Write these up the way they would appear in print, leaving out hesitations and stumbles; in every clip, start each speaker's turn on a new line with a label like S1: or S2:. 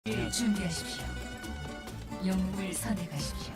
S1: 준비하십시오. 영웅을 선택하십시오.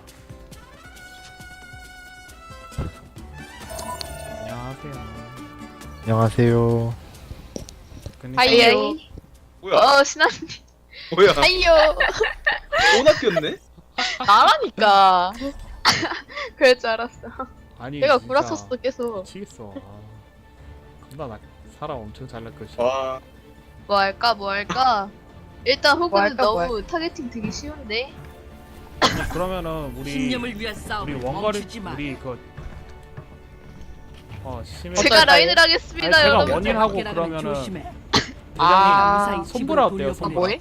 S2: 안녕하세요.
S3: 안녕하세요.
S2: 근데
S4: 하이요.
S5: 뭐야?
S4: 신한님.
S5: 뭐야?
S4: 하이요.
S5: 또 낚였네?
S4: 나라니까. 그럴 줄 알았어.
S2: 아니
S4: 내가
S2: 진짜
S4: 구라쳤어 계속.
S2: 미치겠어. 겁나 나 사람 엄청 잘 낚으시.
S5: 와,
S4: 뭐 할까? 일단 호구는
S6: 할까, 뭐
S4: 너무 타겟팅 되기 쉬운데.
S2: 그러면은 우리
S1: 신념을 위한 싸움.
S2: 우리 원거리 우리 그 심해.
S4: 제가 라인을 하겠습니다,
S2: 제가
S4: 여러분.
S2: 원인하고 그러면은
S4: 아,
S2: 대장님 손보라 어때요? 손보라.
S4: 뭐해?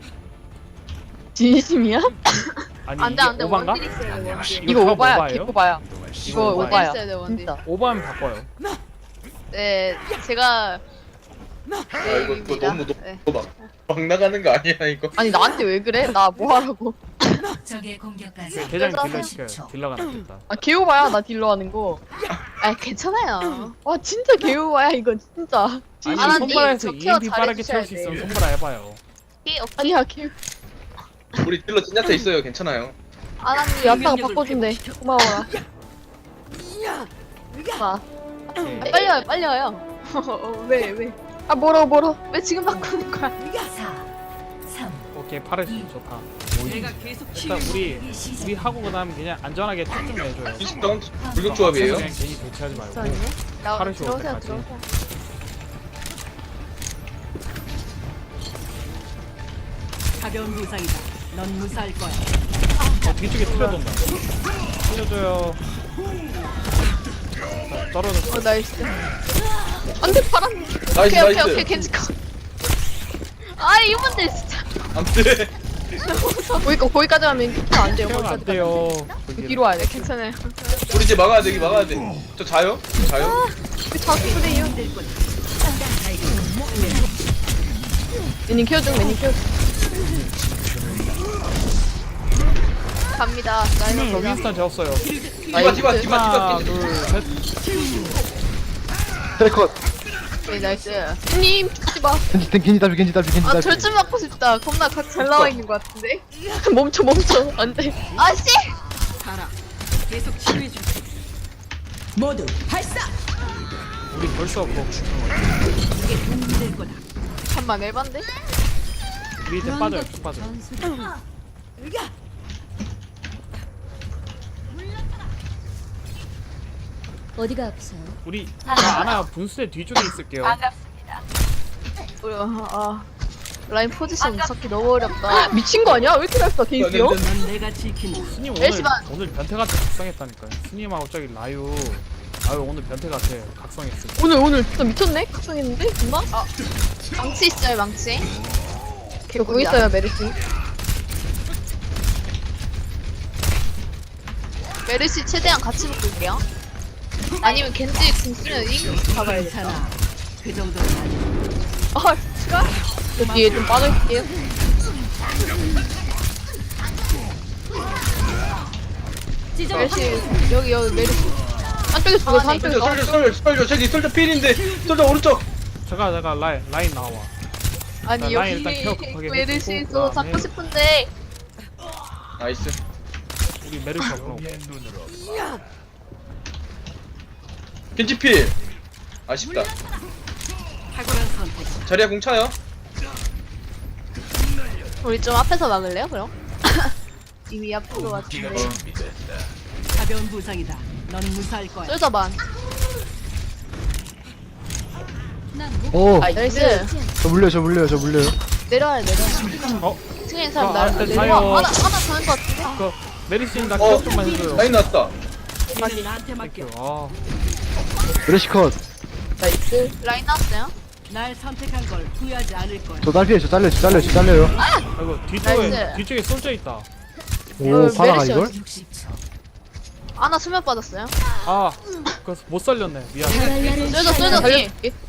S6: 진심이야?
S2: 아니
S4: 안돼
S2: 이게
S4: 안돼
S2: 오반가?
S4: 원딜 있어야 돼 원딜.
S6: 이거
S2: 다
S6: 오바야,
S2: 오바예요?
S6: 개오바야. 이거
S2: 오바야.
S6: 오바야.
S4: 있어야 돼 원딜.
S6: 진짜.
S2: 오바하면 바꿔요.
S4: 네 제가
S5: 아, 이거 너무
S4: 네.
S5: 막 나가는 거 아니야 이거?
S6: 아니 나한테 왜 그래? 나 뭐 하라고?
S1: 적의 공격까지
S2: 대장님 딜러
S4: 그래서
S2: 시켜요. 딜러가 낫겠다.
S6: 아 개오바야 나 딜러 하는 거.
S4: 아 괜찮아요.
S6: 와 진짜 개오바야 이거 진짜.
S2: 아니
S4: 안 하니,
S2: 손보라에서
S4: 저 케어
S2: 2MP 빠르게
S4: 잘해주셔야
S2: 채울 수 있으면
S4: 돼.
S2: 손보라 해봐요.
S4: 오케이 오케이.
S6: 아니야 개.
S5: 우리 딜러 진짜타 있어요. 괜찮아요.
S4: 아나님
S6: 야타가 바꿔준대. 고마워라. 아,
S2: 오케이.
S4: 빨리 와요 빨리 와요. 왜 왜?
S6: 아 뭐라.
S4: 왜 지금 바꾸는 거야?
S1: 4, 3.
S2: 오케이 파르시 좋다.
S1: 내가 계속
S2: 일단 우리 하고 그다음 그냥 안전하게 쭉쭉 내줘요.
S5: 비슷한 불격 조합이에요.
S2: 그냥 괜히 대치하지 말고.
S4: 나
S2: 하루 쉬울
S4: 들어오세요
S2: 때까지.
S4: 들어오세요.
S1: 가벼운 부상이다. 넌 무사할 거야.
S2: 뒤쪽에 틀려돈다. 틀려줘요. 떨어졌어.
S4: 나이스.
S6: 안돼 파란.
S5: 나이스
S4: 오케이
S5: 나이스.
S4: 괜찮고. 아 이분들 진짜.
S5: 안돼.
S6: 거기까지 가면 키안 돼요.
S2: 태우면 안
S6: 거기까지.
S2: 돼요.
S6: 뒤로 와야 돼.
S4: 괜찮아요.
S5: 우리 이제 막아야 돼. 여기 막아야 돼. 저 자요? 자요?
S6: 자꾸 그래요. 매님 키워줘 매님 키워줘.
S4: 갑니다.
S2: 저
S4: 나이스.
S2: 윈스턴 재웠어요.
S5: 디바
S2: 하나,
S5: 겐지.
S2: 둘, 셋.
S3: 트래컷.
S4: 오케이 나이스.
S6: 님 죽지 마.
S3: 겐지 답이.
S4: 아 절좀 맞고 싶다. 겁나 잘 나와 있는 것 같은데.
S6: 멈춰 안돼.
S4: 아씨.
S1: 가라. 계속 치료해 줄게. 모두 발사.
S2: 우리 벌써 그거
S1: 이게 도움이 될 거다.
S4: 잠만 에반데?
S2: 우리 이제 빠져요. 쭉 빠져.
S7: 어디가 아프세요?
S2: 우리 아나 분수대 뒤쪽에 있을게요.
S4: 라인 포지션 잡기 너무 어렵다.
S6: 미친 거 아니야? 왜 이렇게 잘써 개인기요?
S1: 넌 내가 지킨다.
S2: 스님
S4: 열심한.
S2: 오늘 변태 같아 각성했다니까요. 스님하고 저기 라유 오늘 변태 같아 각성했어.
S6: 오늘 진짜 미쳤네? 각성했는데? 정말?
S4: 망치 있어요 망치.
S6: 저 거기 있어요 메르시.
S4: 메르시 최대한 같이 묶을게요. 아니면 겐지 궁 쓰면 잉 잡아야 돼.
S1: 괜찮아. 그 정도는 아니야.
S6: 아 진짜? 저 뒤에 좀 빠져있을게요.
S4: 메르시 여기 메르시.
S6: 한쪽에 죽어
S4: 아, 네.
S6: 한쪽에 가.
S5: 솔저 저기 솔저 필인데 솔저 오른쪽.
S2: 제가 라인 나와.
S4: 아니
S2: 라인
S4: 여기
S2: 일단 케어 급하게
S4: 메르시
S2: 해주고,
S4: 저
S2: 그다음에
S4: 잡고 싶은데
S5: 나이스.
S2: 우리 메르시 없고.
S5: 겐지 필. 아쉽다.
S1: 탁월한 선택.
S5: 자리야 공 차요?
S4: 우리 좀 앞에서 막을래요 그럼? 이미 앞으로 왔는데
S1: 가벼운 부상이다. 넌 무사할 거야.
S4: 쏠자반.
S3: 오,
S4: 나이스.
S3: 저 물려요.
S4: 내려와요.
S2: 어?
S4: 층에 있는 사람
S2: 아,
S4: 날
S2: 안 돼,
S4: 내려와.
S2: 사요.
S4: 하나 가는 것 같은데.
S2: 그 메르시 나 케어 좀만 해줘요.
S5: 라인 났다.
S1: 얘는 나한테 맡겨.
S2: 아
S3: 브레시컷.
S6: 나이스.
S4: 라인 나왔어요?
S1: 날 선택한 걸 후회하지 않을 거야.
S3: 저 딸피에요. 저 잘려요.
S2: 아이고
S4: 나이스.
S2: 뒤쪽에 솔져 있다.
S3: 오, 파라가
S4: 메르시
S3: 이걸?
S1: 60초.
S4: 하나 수면 빠졌어요.
S2: 그거 못 살렸네. 미안.
S4: 쏠자 뒤.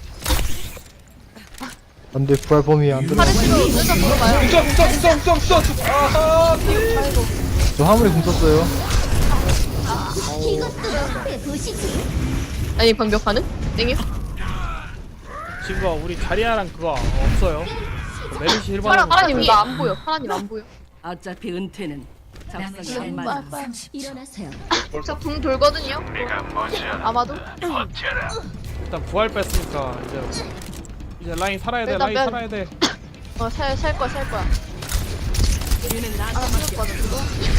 S3: 안 돼, 부활 범위 안 들어.
S4: 파르시로 쏠자 물어봐요.
S5: 웅덩. 아하.
S3: 저 화물에 궁 썼어요.
S6: 아니 방벽 가능? 땡겨?
S2: 지금 우리 자리아랑 그거 없어요. 메르시 1번
S6: 파라님 나 안 보여. 파라님 안 보여.
S1: 어차피 은퇴는 적성이 안
S4: 빨리,
S1: 맞아.
S4: 빨리.
S7: 일어나세요.
S4: 저 궁 돌거든요. 아마도.
S2: 일단 부활 뺐으니까 이제 라인 살아야 돼.
S4: 일단
S2: 라인
S4: 면-
S2: 살아야 돼.
S4: 살 거야.
S1: 얘는 나
S4: 아, 죽을 거거든, 그거.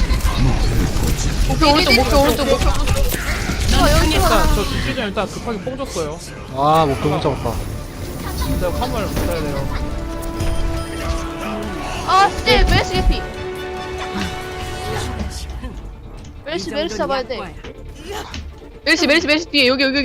S6: 목표 오른쪽, 목표 오른쪽, 목표.
S2: 일단 저 죽기 전에 일단 급하게 뽕 줬어요.
S3: 아 목표 못 잡았다.
S2: 진짜 화물 받아야 돼요.
S4: 아, 씨, 메르시 개피. 메르시 잡아야 돼.
S6: 메르시 뒤에 여기.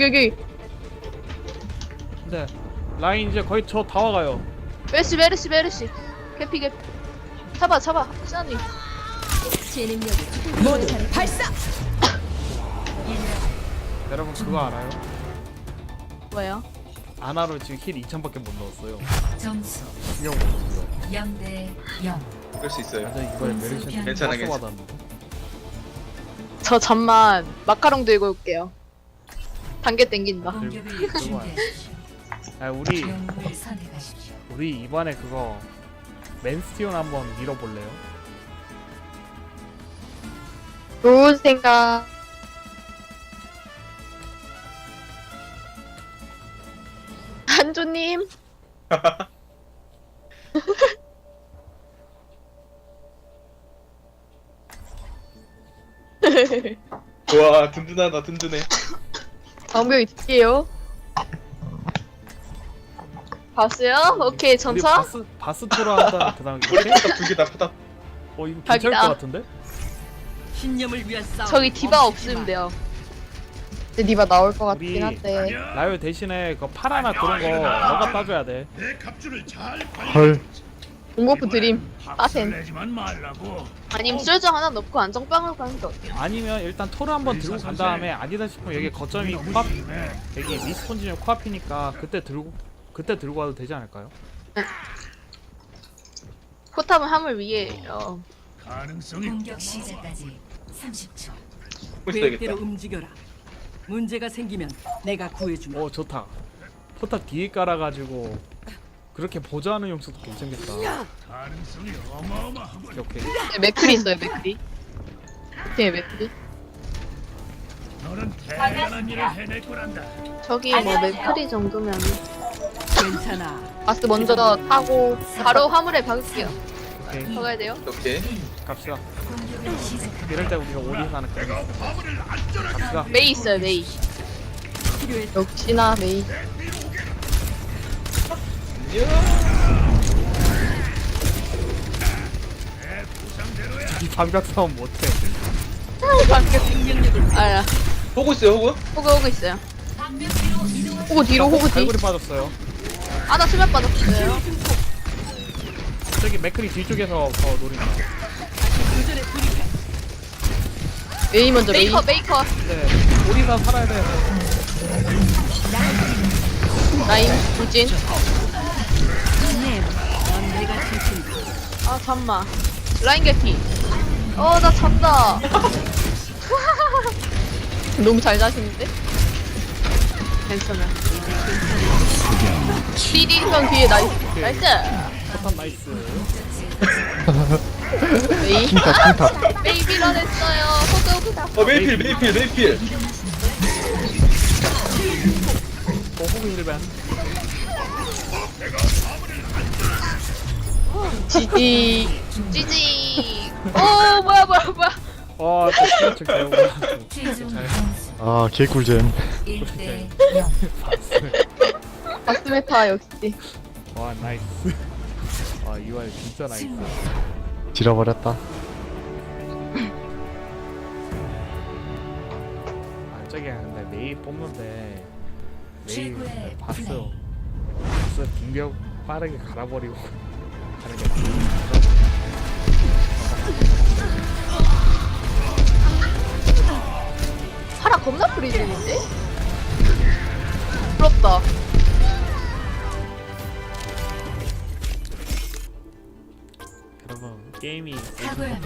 S2: 근데 라인 이제 거의 저 다 와가요.
S4: 메르시. 개피. 잡아, 시나님.
S7: 제 능력이 발사.
S2: 여러분 그거 알아요?
S4: 뭐야?
S2: 아나로 지금 힐 2000밖에 못 넣었어요.
S8: 점수
S2: 신경 못 넣었어요.
S8: 0대 0.
S5: 그럴 수 있어요.
S2: 완전 이번에 메르시한테
S5: 괜찮아,
S2: 박수
S5: 괜찮아.
S2: 받았는데.
S6: 저 잠만 마카롱 들고 올게요. 단계 땡긴다.
S8: 공격을
S2: 그거
S8: 준비하십시오.
S2: 아 우리
S8: 영웅을 선택하십시오.
S2: 이번에 그거 맨스티온 한번 밀어볼래요?
S6: 좋은 생각. 한조님.
S5: 와 든든하다 든든해.
S6: 방벽이 딜게요. 봤어요? 오케이
S2: 우리
S6: 전차.
S2: 바스토로 한다 그 다음에
S5: 우리 포탑 두 개다 포탑.
S2: 이거 괜찮을
S6: 각이다.
S2: 것 같은데?
S1: 신념을 위한 싸움.
S6: 저기 디바 없으면 돼요. 근데 디바 나올 것
S2: 우리
S6: 같긴 한데.
S2: 라이오 대신에 그 파라나 그런 거 너가 따줘야 돼.
S3: 헐.
S6: 공버프 드림. 빠센. 아니면 쏠정 하나 넣고 안정빵을 가는 게 어때요?
S2: 아니면 일단 토르 한번 들고 간 다음에 아니다 싶으면 여기 거점이 코앞 여기 미스폰지는 코앞이니까 그때 들고 와도 되지 않을까요?
S6: 포탑은 함을 위해.
S8: 공격 시작까지 30초.
S1: 계획대로
S5: 있어야겠다.
S1: 움직여라. 문제가 생기면 내가 구해주마.
S2: 좋다. 포탑 뒤에 깔아가지고 그렇게 보조하는 용수도 괜찮겠다. 오케이.
S6: 맥클이 있어요 맥클이. 오케이 맥클이.
S4: 저기 뭐 맥크리 정도면
S1: 괜찮아.
S6: 바스 먼저 타고
S4: 바로 화물에 박을게요.
S2: 오케이.
S4: 박아야 돼요.
S5: 오케이.
S2: 갑시다.
S8: 공격을 시작합니다.
S2: 이럴 때 우리가 오리에서 하는 그런 게 있어. 갑시다.
S6: 메이 있어요 메이.
S1: 필요해.
S6: 역시나 메이.
S2: 이 방벽 싸움 못해.
S6: 아야.
S5: 보고 있어요 호구?
S6: 호구 있어요. 호구 뒤로 호구 뒤.
S2: 갈고리 빠졌어요.
S4: 나 수면 빠졌어요.
S2: 저기 맥크리 뒤쪽에서 노린다.
S1: 도전에 돌입해.
S6: 메이 먼저 메이.
S4: 메이커.
S2: 네. 오리사 살아야 돼.
S6: 라인 돌진.
S1: 넌 내가 지킨다.
S4: 아 잠만. 라인 개피. 나 잔다.
S6: 너무 잘 자시는데?
S4: 괜찮아.
S6: 띠디형 뒤에 나이스. 나이스.
S2: 포탑 나이스.
S6: 메이.
S3: 킹탑.
S4: 메이 밀어냈어요. 호그호그다.
S5: 메이필.
S2: 호구 힐밴.
S6: 지디.
S4: GG. 뭐야.
S2: 또 스트레칭 배우고.
S8: 최종
S2: 잘
S8: 점수
S3: 아 개꿀잼.
S8: 1대 0.
S6: 바스메타 역시.
S2: 와 나이스. 와 UI 진짜 나이스.
S3: 지려버렸다.
S2: 저기 근데 메이 뽑는데 메이
S8: 최고의
S2: 봤어.
S8: 플레이.
S2: 봤어 빙벽 빠르게 갈아버리고 가는 게
S4: 파라 겁나 프리즘인데?
S6: 부럽다.
S2: 여러분 게임이
S8: 사고합니다.